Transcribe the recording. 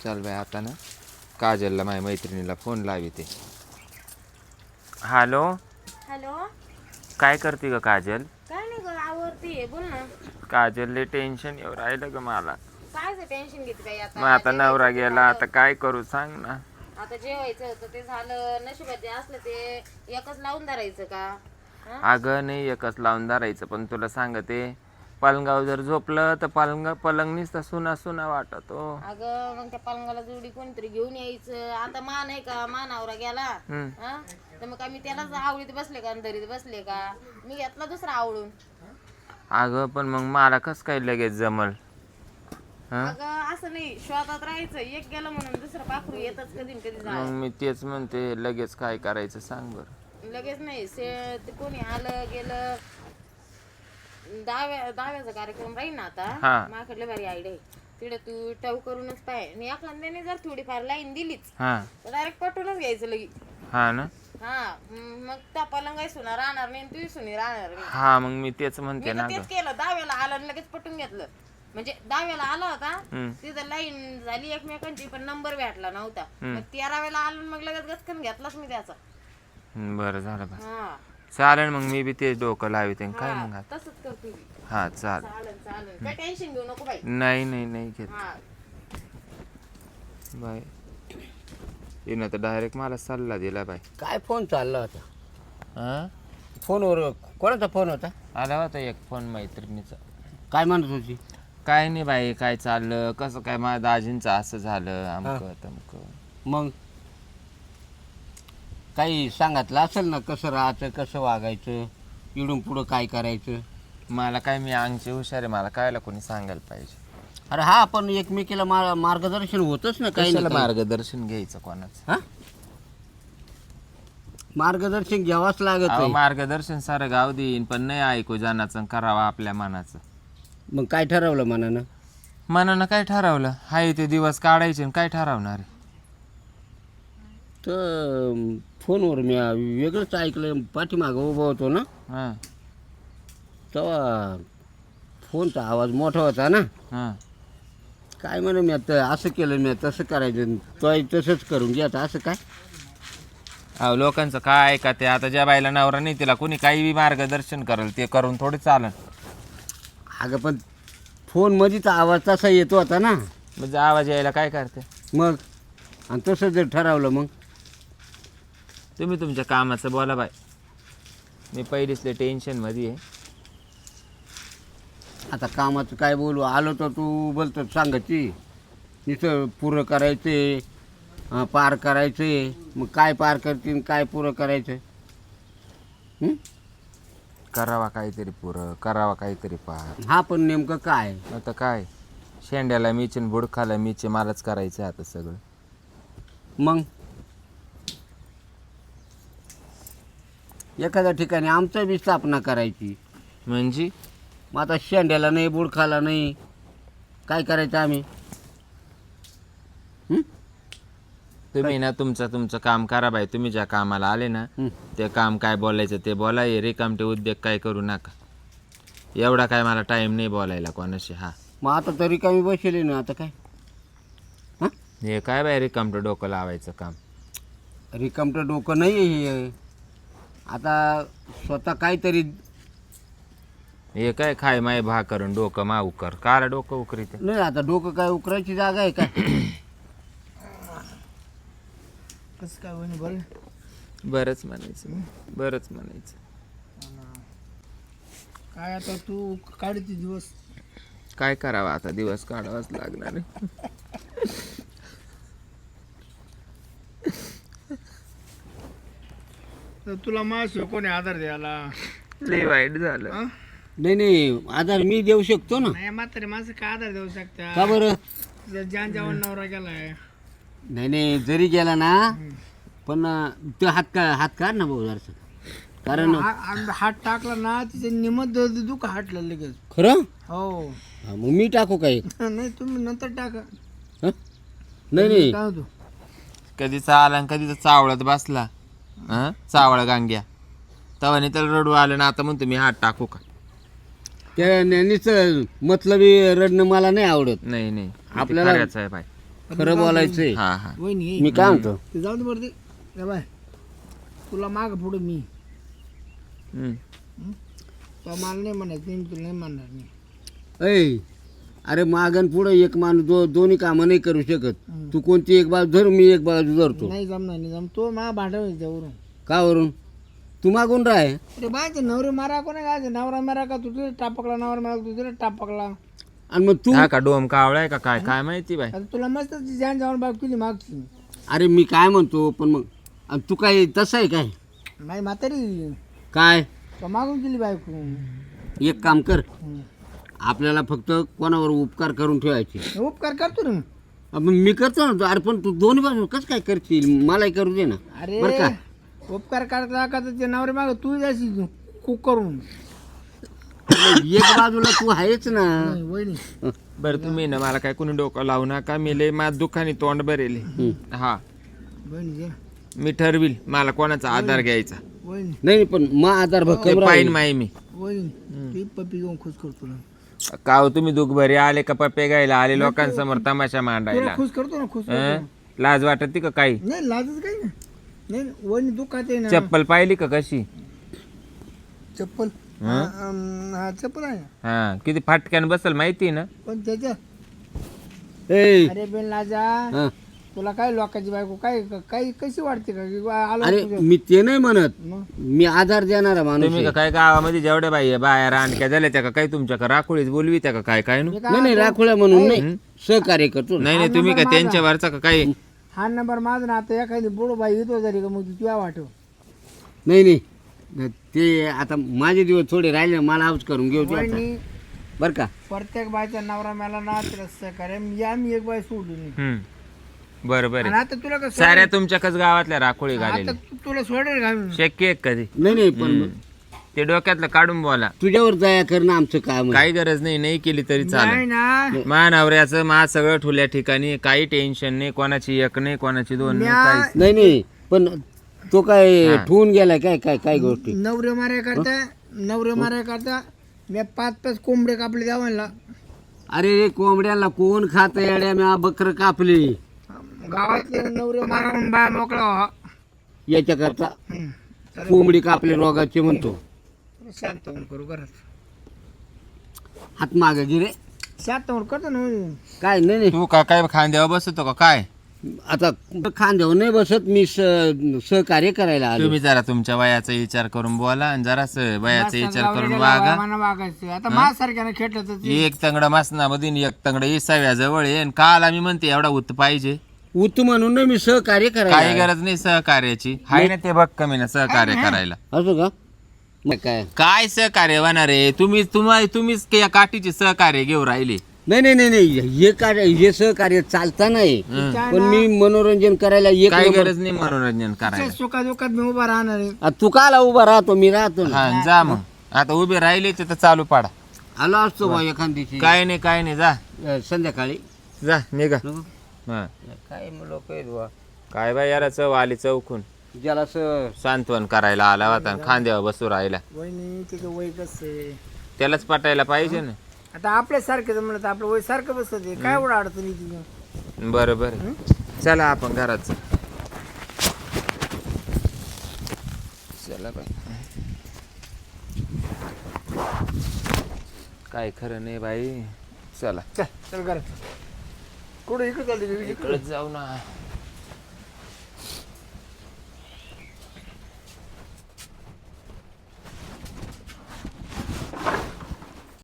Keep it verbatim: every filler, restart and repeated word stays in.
चल बाय आता ना काजलला माझ्या मैत्रिणीला फोन लाविते. हॅलो हॅलो, काय करते ग काजल? काय नाही ग, आवडतीये, बोल ना. काजल लय टेन्शन येऊ राहिलं ग मला. काय टेन्शन घेते बाई आता? मग आता नवरा गेला, आता काय करू सांग ना. आता जेवायचं होतं ते झालं, नशिबात जे असलं ते एकच लावून धरायचं का? अगं नाही एकच लावून धरायचं, पण तुला सांगते पलंगावर जर झोपलं तर पलंग पलंग नुसता सुना सुना वाटतो. अगं मग त्या पलंगाला जोडी कोणतरी घेऊन यायचं. आता मान आहे का, मानावरा गेला हा तर मग मी त्यालाच आवडीत बसले का, दरीत बसले का? मी घेतला दुसरा आवडून. अगं पण मग मला कस काय लगेच जमल? अगं असं नाही, शोधात राहायचं. एक गेलं म्हणून दुसरं पाखरू येतच कधी कधी. मग मी तेच म्हणते, लगेच काय करायचं सांग बरं. लगेच नाही, से कोणी आलं गेलं. दहाव्या दहाव्याचा कार्यक्रम राहील ना आता, माझ्याकडे भारी आयडिया आहे. तिकडे तू टव करूनच पाय, आणि एखाद्याने जर थोडीफार लाईन दिलीच तर डायरेक्ट पटवूनच घ्यायचं लगी. हा ना. हा मग त्या पलंगाई सुना राहणार नाही, तू सुनी राहणार नाही. हा मग मी तेच म्हणते ना. तेच केलं, दहाव्याला आलं आणि लगेच पटून घेतलं. म्हणजे दहाव्याला आला होता, तिथं लाईन झाली एकमेकांची, पण नंबर भेटला नव्हता. मग तेराव्याला आलो, मग लगेच गचकन घेतलाच मी त्याचा. बरं झालं बा. चालेल मग, मी बी तेच डोकं लावते काय मग. तसंच करतो. हा चाल. चालेल चालेल, काय टेन्शन घेऊ नको बाई. नाही नाही नाही घेत बाय. तिनं तर डायरेक्ट मला सल्ला दिला बाई. काय फोन चालला होता? हा फोनवर कोणाचा फोन होता? आला होता एक फोन मैत्रिणीचा. काय म्हणत होती? काय नाही बाई, काय चाललं, कसं काय माझ्या दाजींचं असं झालं, अमकं तमकं. मग काही सांगितलं असेल ना, कसं राहायचं, कसं वागायचं, इडून पुढं काय करायचं. मला काय, मी अंगची हुशार आहे, मला कायला कोणी सांगायला पाहिजे. अरे हा, आपण एकमेकीला मा मार्गदर्शन होतच ना. काही मार्गदर्शन घ्यायचं कोणाचं? हा, मार्गदर्शन घ्यावाच लागत आहे. मार्गदर्शन सारं गाव देईन, पण नाही ऐकू जाण्याचं, करावा आपल्या मनाचं. मग काय ठरवलं मनानं? मनानं काय ठरवलं? हाय ते दिवस काढायचे, काय ठरवणार आहे? तर फोनवर मी वेगळंच ऐकलं, पाठीमागं उभं होतो ना, हां तेव्हा फोनचा आवाज मोठा होता ना. हां काय म्हणू, मी आता असं केलं, मी तसं करायचं, तो तसंच करून घ्या. आता असं काय? अहो लोकांचं काय का ते, आता ज्या बाईला नवरा नाही तिला कोणी काही बी मार्गदर्शन करेल ते करून थोडी चालन. अगं पण फोनमध्ये तर आवाज तसा येतो होता ना. म्हणजे आवाज यायला काय करते मग, आणि तसं जर ठरवलं मग. तुम्ही तुमच्या कामाचं बोला बाय, मी पहिलीच लय टेन्शनमध्ये आहे. आता कामाचं काय बोलू, आलो तर तू बोलतो सांगायची नुसतं पुरं करायचे, पार करायचे. मग काय पार करतील, काय पुरं करायचं? करावा काहीतरी पुरं, करावा काहीतरी पार. हा पण नेमकं काय? आता काय, शेंड्याला मीचे आणि बुडखाला मीचे, मलाच करायचं आता सगळं. मग एखाद्या ठिकाणी आमचं बी स्थापना करायची. म्हणजे मग आता शेंड्याला नाही, बुडखाला नाही, काय करायचं आम्ही? तुम्ही ना तुमचं तुमचं काम करा बाई. तुम्ही ज्या कामाला आले ना ते काम काय बोलायचं ते बोला. हे रिकामटे उद्योग काय करू नका. एवढा काय मला टाइम नाही बोलायला कोणाशी. हा मग आता तरी कमी बसले ना, आता काय? हां, हे काय बाई रिकामटं डोकं लावायचं काम? रिकामटं डोकं नाही हे. आता स्वतः काहीतरी. हे काय खाय माय भा करून डोकं मा उकर, काला डोकं उकरीत नाही. आता डोकं काय उकरायची जागा आहे काय? कसं काय म्हणे बरं? बरंच म्हणायचं, बरंच म्हणायचं. काय आता तू काढते दिवस? काय करावं आता, दिवस काढावाच लागणार आहे. तर तुला माझ्या कोणी आधार द्यायला? लय वाईट झालं. नाही नाही, आधार मी देऊ शकतो ना. नाही म्हातारे माणसं काय आधार देऊ शकता? का बरं? जर ज्यान जेवण नवरा गेलाय. नाही नाही, जरी गेला ना, पण तो हात का हात काढ ना भाऊ जरासं. कारण हा- हात टाकला ना, तिचे निमत दुःख हाटलं लगेच. खरं? हो. हा, मग मी टाकू काय? नाही तुम्ही नंतर टाका. हं? नाही नाही, काय होतो? कधीचा आला आणि कधीचा चावळत बसला. हा चावळ गांग्या तवाने त्याला रडू आलं ना, आता म्हणतो मी हात टाकू का? त्या नेहमीच मतलबी रडणं मला नाही आवडत. नाही नाही आपल्याला- आपल्याला आहे बाई. खरं बोलायचंय. हा हा वहिनी मी काय म्हणतो ते जाऊ दे बरं ते ए बाय तुला माग पुढे मी हम्म. तो मला नाही म्हणायचं नाही, मी तुला नाही म्हणणार नाही. ऐ अरे मागण पुढे एक माणूस दो दोन्ही कामं नाही करू शकत. तू कोणती एक बाजू धर, मी एक बाजू धरतो. नाही जमणार नाही जम तो मा भांडव त्यावरून. का वरून तू मागून राह. अरे बाय ते नवरे मारा कोणा काय नवरा मारा का तुझे टापकला नवरा मारा तुझे टापकला. आणि मग तू हा का डोम कावळाय का काय काय माहिती बाई. आता तुला मस्त जान जाऊन बाग तुझी मागची अरे मी काय म्हणतो पण मग आणि तू काय तसं आहे काय नाही म्हातारी काय तो मागून गेली बायको. एक काम कर, हम्म. आपल्याला फक्त कोणावर उपकार करून ठेवायचे. उपकार करतो ना मग मी करतो ना. अरे पण तू दोन्ही बाजू कसं काय करशील, मलाही करू दे ना. अरे बरं का उपकार करता का ते नवरे माग तू जायची कुक करून. एक बाजूला तू आहेच ना. नाही, वहिनी बरं तुम्ही ना मला काय कोणी डोकं लावू नका. मी लय माझ दुखाने तोंड भरेले. हा वहिनी जे मी ठरविल मला कोणाचा आधार घ्यायचा. वहिनी नाही नाही, पण मा आधार ते भक्कम पाहिन राहील. माई मी. वहिनी ती पप्पी घेऊन खुश करतो ना. का हो तुम्ही दुख भरे आले का पप्पे घ्यायला आले लोकांसमोर तमाशा तुला मांडायला. खुश करतो ना खुश हं? करतो. लाज वाटत का काही. नाही लाजच काही नाही. नाही वहिनी दुःखात आहे ना. चप्पल पाहिली का कशी. चप्पल हा अम, हा चप्पल आहे ना. हा किती फाटक्यान बसल माहिती ना. पण त्याच्या ए अरे बेन लाजा हा. तुला काय लोकांची बायको काय काही कशी वाटते का की बा आलो अरे तुझं. मी ते नाही म्हणत, मग मी आधार देणारा माणूस तुम्ही आहे. का काय गावामध्ये जेवढ्या बाई आहे, बाया रानक्या झाल्या त्या का काय तुमच्या राखोळीच बोलवी त्या का काय काय नु? मी काय नाही नाही राखोळ्या म्हणून नाही, सहकार्य करतो ना. नाही नाही तुम्ही का त्यांच्यावरचा का काही. हा नंबर माझा ना आता एखादी बुडो बाई येतो जरी का मग तुला वाटव. नाही नाही ते आता माझे दिवस थोडे राहिले, मला हाऊस करून घेऊ तू आता. वहिनी बरं का प्रत्येक बायचा नवरा मला ना तिला करे या मी एक बाई सोडली नाही. हम्म बरं बरं आणि आता तुला कसं साऱ्या तुमच्याकच गावातल्या राखोळी आता घालेली तू- तुला सोडेल का मी? शक्य आहे का कधी. नाही नाही पण ते डोक्यातलं काढून बोला. तुझ्यावर दया करणं आमचं काम आहे. काही गरज नाही नाही केली तरी नाही चालेल. ना मा नवऱ्याचं मा सगळं ठुल्या ठिकाणी काही टेन्शन नाही. कोणाची एक नाही कोणाची दोन नाही म्या- काहीच. नाही नाही पण तो काय हा. ठेवून गेलाय काय काय काय गोष्टी. नवरे माराय करता नवरे माराय करता मी पाच पाच कोंबडे कापले द्यावायला. अरे रे कोंबड्याला कोण खात येड्या, म्या बकर कापली गावातले नवरे मारून बाय मोकळा व्हा. याच्या करता हम्म. कोंबडी कापले रोगाचे म्हणतो. शांत होऊन करू घरात. हात मागे गिरे शांत होऊन करतो ना वहिनी. काय नाही नाही. तू का काय खांद्यावर बसतो का काय. आता खांद्यावर नाही बसत, मी स- सहकार्य करायला आलो. तुम्ही जरा तुमच्या वयाचा विचार करून बोला आणि जरा वयाचा विचार करून गावड्याला वागा. वागायला वागायचं. आता माझ्यासारख्यानं खेटलं तर ते- एक तंगड मासनामध्ये एक तंगड इसाव्या जवळ आहे आणि काल आम्ही म्हणते एवढा उत पाहिजे. उत म्हणून नाही मी सहकार्य करायला काही आलो. गरज नाही सहकार्याची. हाय ना ते बघ कमी ना सहकार्य करायला. असं का मग काय. काय सहकार्य होणार आहे. तुम्ही तुम्हाला तुम्हीच या काठीचे सहकार्य घेऊ राहिले. नाही नाही नाही नाही हे कार्य हे सहकार्य चालता नाही, काय पण ना, मी मनोरंजन करायला एक काही नंबर- गरज नाही मनोरंजन करायला. सुखादुखात मी उभा राहणार आहे. आ, तू काला उभा राहतो, मी राहतो ना. हा जा मग आता उभे राहिले ते तर चालू पाडा. आलो असतो बा एखाद्याची काय नाही काय नाही जा अ, संध्याकाळी जा निघा. नको? हा काय लोक आहेत बा, काय बाई याला चव आली चौकून ज्याला स- सांत्वन करायला आला होता आणि खांद्यावर बसू राहिला. वहिनी त्याचं वय कसं आहे. त्यालाच पटायला पाहिजे ना. आता आपल्यासारखं म्हणत आपलं वय सारखं बसत आहे. काय एवढं अडचणी तुझं. बरं बरं चला आपण घरात जाऊ. चला बाई काय खरं नाही बाई. चला चल चल घरात. कुठं इकडे चालली इकडे जाऊ ना.